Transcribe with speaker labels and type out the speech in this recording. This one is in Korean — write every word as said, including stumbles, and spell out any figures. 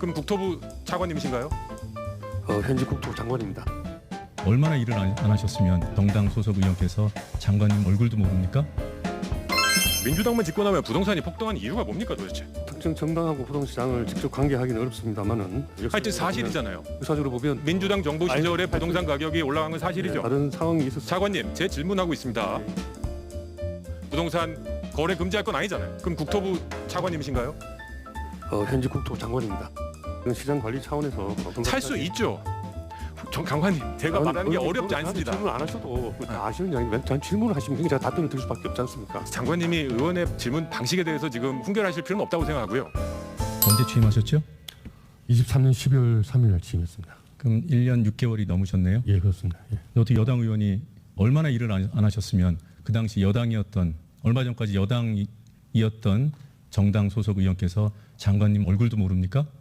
Speaker 1: 그럼 국토부 차관님이신가요?
Speaker 2: 어, 현직 국토부 장관입니다.
Speaker 3: 얼마나 일을 안, 안 하셨으면 정당 소속 의원께서 장관님 얼굴도 모릅니까?
Speaker 1: 민주당만 집권하면 부동산이 폭등한 이유가 뭡니까 도대체?
Speaker 2: 특정 정당하고 부동시장을 직접 관계하기는 어렵습니다만은
Speaker 1: 하여튼 사실이잖아요.
Speaker 2: 역사적으로 보면
Speaker 1: 민주당 정부 시절에
Speaker 2: 아니,
Speaker 1: 부동산 가격이 올라간 건 사실이죠.
Speaker 2: 다른 상황이 있었습니다.
Speaker 1: 차관님, 제 질문하고 있습니다. 부동산 거래 금지할 건 아니잖아요. 그럼 국토부 차관님이신가요?
Speaker 2: 어, 현직 국토부 장관입니다. 이건 시장 관리 차원에서
Speaker 1: 살 수 있죠. 정 장관님, 제가 말하는 게 어렵지 않습니다.
Speaker 2: 질문 안 하셔도 다 아시는 이야기인데 전 질문을 하시면 그냥 제가 답변을 드릴 수밖에 없지 않습니까?
Speaker 1: 장관님이 의원의 질문 방식에 대해서 지금 훈결하실 필요는 없다고 생각하고요.
Speaker 3: 언제 취임하셨죠?
Speaker 2: 이십삼 년 십이월 삼일 날 취임했습니다.
Speaker 3: 그럼 일 년 육 개월이 넘으셨네요.
Speaker 2: 예, 그렇습니다. 예.
Speaker 3: 어떻게 여당 의원이 얼마나 일을 안, 안 하셨으면 그 당시 여당이었던 얼마 전까지 여당이었던 정당 소속 의원께서 장관님 얼굴도 모릅니까?